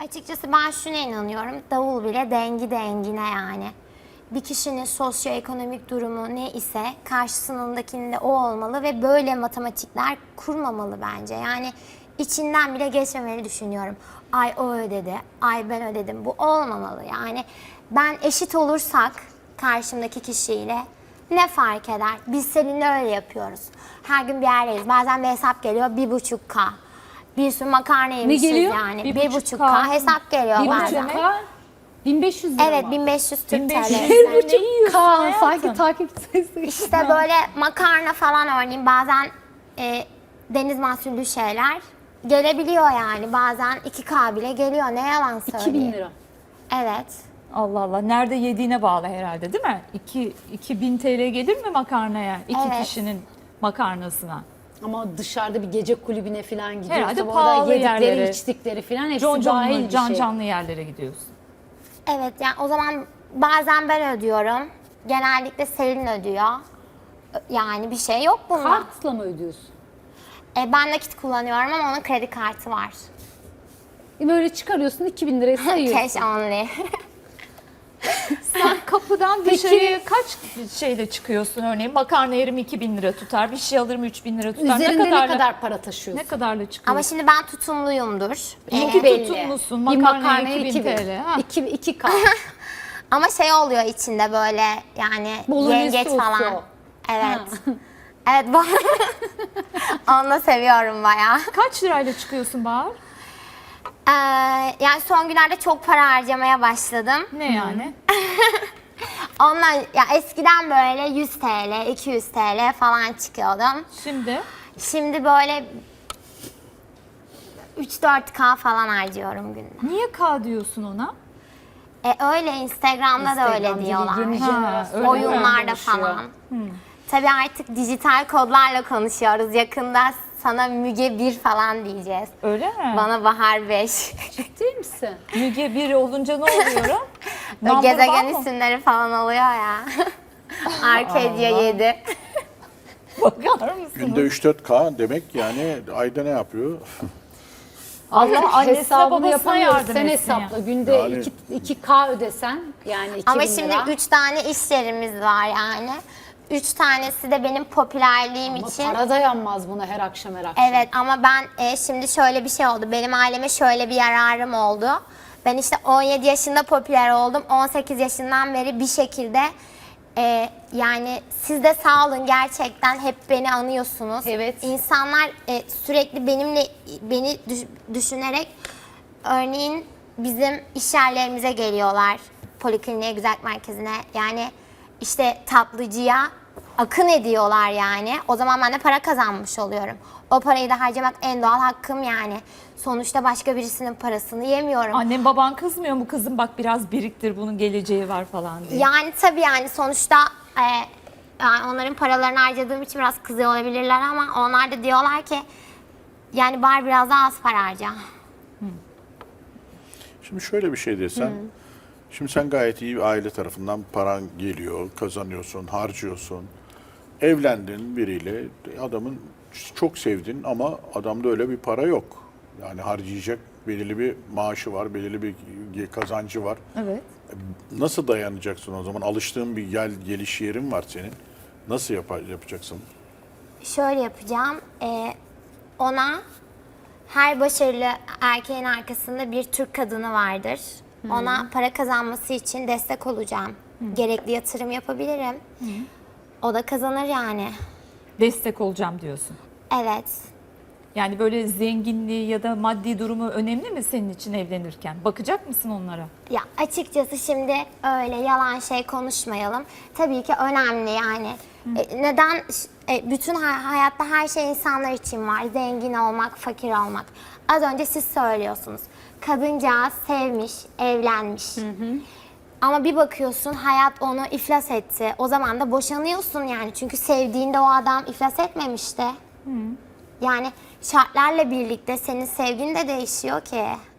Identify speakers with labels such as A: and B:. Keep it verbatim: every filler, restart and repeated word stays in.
A: Açıkçası ben şuna inanıyorum. Davul bile dengi dengine yani. Bir kişinin sosyoekonomik durumu ne ise karşısındakinin de o olmalı ve böyle matematikler kurmamalı bence. Yani içinden bile geçmemeli düşünüyorum. Ay o ödedi, ay ben ödedim. Bu olmamalı yani. Ben eşit olursak karşımdaki kişiyle ne fark eder? Biz seninle öyle yapıyoruz. Her gün bir yerdeyiz. Bazen bir hesap geliyor bir buçuk K. Bir sürü makarna yemişiz
B: geliyor?
A: yani.
B: Bir
A: Bir
B: buçuk
A: buçuk
B: K.
A: K hesap geliyor
B: Bir
A: bazen.
B: buçuk K, bin beş yüz lira
A: Evet
B: mı?
A: bin beş yüz Türk
B: bin beş yüz
A: T L.
B: Bir
C: Ne
B: buçuk
C: yiyorsun
B: K
C: hayatım?
B: sanki takip sayısı.
A: İşte böyle makarna falan örneğin bazen e, deniz mahsullü şeyler gelebiliyor yani. Bazen iki K bile geliyor. Ne yalan söyleyeyim.
B: iki bin lira.
A: Evet.
C: Allah Allah. Nerede yediğine bağlı herhalde değil mi? iki, iki bin T L gelir mi makarnaya? İki
A: Evet.
C: kişinin makarnasına.
B: Ama dışarıda bir gece kulübüne falan gidiyorsa
C: Herhalde
B: bu
C: pahalı
B: arada yedikleri,
C: yerlere,
B: içtikleri falan hepsi
C: Can
B: dahil
C: canlı,
B: bir
C: can
B: şey.
C: canlı yerlere gidiyorsun.
A: Evet yani o zaman bazen ben ödüyorum. Genellikle Selin ödüyor. Yani bir şey yok bunda.
B: Kartla mı ödüyorsun?
A: E, ben nakit kullanıyorum ama onun kredi kartı var.
B: Böyle çıkarıyorsun iki bin liraya sayıyorsun.
A: Cash only.
C: Sen kapıdan dışarıya kaç şeyle çıkıyorsun örneğin? Makarna yerim iki bin lira tutar, bir şey alırım üç bin lira tutar.
B: Üzerinde ne,
C: kadarla-
B: kadar para taşıyorsun?
C: Ne kadarla
A: Ama
C: çıkıyorsun?
A: şimdi ben tutumluyumdur.
C: İyi
A: E,
C: ki tutumlusun.
B: Bir
C: Makarnaya
B: makarnaya
C: iki bin
B: iki bin.
C: T L. Ha.
B: iki, iki K.
A: ama şey oluyor içinde böyle yani
B: Bolognese
A: yengeç
B: sosu.
A: falan. Evet. Evet bu. Onu da seviyorum bayağı.
C: Kaç lirayla çıkıyorsun Bahar?
A: Ee, yani son günlerde çok para harcamaya başladım.
C: Ne yani?
A: Ondan ya eskiden böyle yüz T L, iki yüz T L falan çıkıyordum.
C: Şimdi
A: Şimdi böyle üç dört K falan harcıyorum günde.
C: niye K diyorsun ona?
A: E öyle Instagram'da da öyle
B: Instagram
A: diyorlar.
B: gibi yeni
C: Ha,
B: jenerasyon
C: öyle mi?
A: Oyunlarda
B: konuşuyor.
A: falan. Tabii artık dijital kodlarla konuşuyoruz. Yakında sana Müge bir falan diyeceğiz.
C: Öyle mi?
A: Bana Bahar beş.
B: Değil misin?
C: Müge bir olunca ne oluyor?
A: Böyle
C: Number
A: gezegen
C: one mı?
A: isimleri falan oluyor ya. Arcadia yedi.
C: Bakar mısınız?
D: Günde üç dört K demek yani ayda ne yapıyor?
C: Allah annesine
B: Hesabını
C: babasına
B: yapamıyoruz.
C: yardım
B: Sen
C: etsin ya.
B: hesapla. Günde
D: Yani-
B: iki, iki K ödesen yani iki
A: Ama
B: bin
A: şimdi
B: lira.
A: üç tane iş yerimiz var yani. Üç tanesi de benim popülerliğim
B: Ama
A: için.
B: para dayanmaz buna her akşam her akşam.
A: Evet ama ben e, şimdi şöyle bir şey oldu. Benim aileme şöyle bir yararım oldu. Ben işte on yedi yaşında popüler oldum. on sekiz yaşından beri bir şekilde e, yani siz de sağ olun gerçekten hep beni anıyorsunuz.
B: Evet.
A: İnsanlar e, sürekli benimle beni düş- düşünerek örneğin bizim iş yerlerimize geliyorlar. Polikliniğe, güzellik merkezine yani işte tatlıcıya akın ediyorlar yani. O zaman ben de para kazanmış oluyorum. O parayı da harcamak en doğal hakkım yani. Sonuçta başka birisinin parasını yemiyorum.
C: Annem baban kızmıyor mu kızım bak biraz biriktir bunun geleceği var falan diye.
A: Yani tabii yani sonuçta e, yani onların paralarını harcadığım için biraz kızıyor olabilirler ama onlar da diyorlar ki yani bari biraz daha az para harca.
D: Şimdi şöyle bir şey desen, şimdi sen gayet iyi bir aile tarafından paran geliyor, kazanıyorsun, harcıyorsun. Evlendin biriyle, adamın çok sevdin ama adamda öyle bir para yok. Yani harcayacak belirli bir maaşı var, belirli bir kazancı var.
C: Evet.
D: Nasıl dayanacaksın o zaman? Alıştığın bir gel geliş yerin var senin. Nasıl yapa- yapacaksın?
A: Şöyle yapacağım. e, ona her başarılı erkeğin arkasında bir Türk kadını vardır. Ona para kazanması için destek olacağım. Gerekli yatırım yapabilirim. O da kazanır yani.
C: Destek olacağım diyorsun.
A: Evet.
C: Yani böyle zenginliği ya da maddi durumu önemli mi senin için evlenirken? Bakacak mısın onlara?
A: Ya açıkçası şimdi öyle yalan şey konuşmayalım. Tabii ki önemli yani. E, neden? E, bütün ha- hayatta her şey insanlar için var. Zengin olmak, fakir olmak. Az önce siz söylüyorsunuz. Kadıncağız sevmiş, evlenmiş. Ama bir bakıyorsun hayat onu iflas etti. O zaman da boşanıyorsun yani. Çünkü sevdiğinde o adam iflas etmemişti. Yani şartlarla birlikte senin sevgin de değişiyor ki.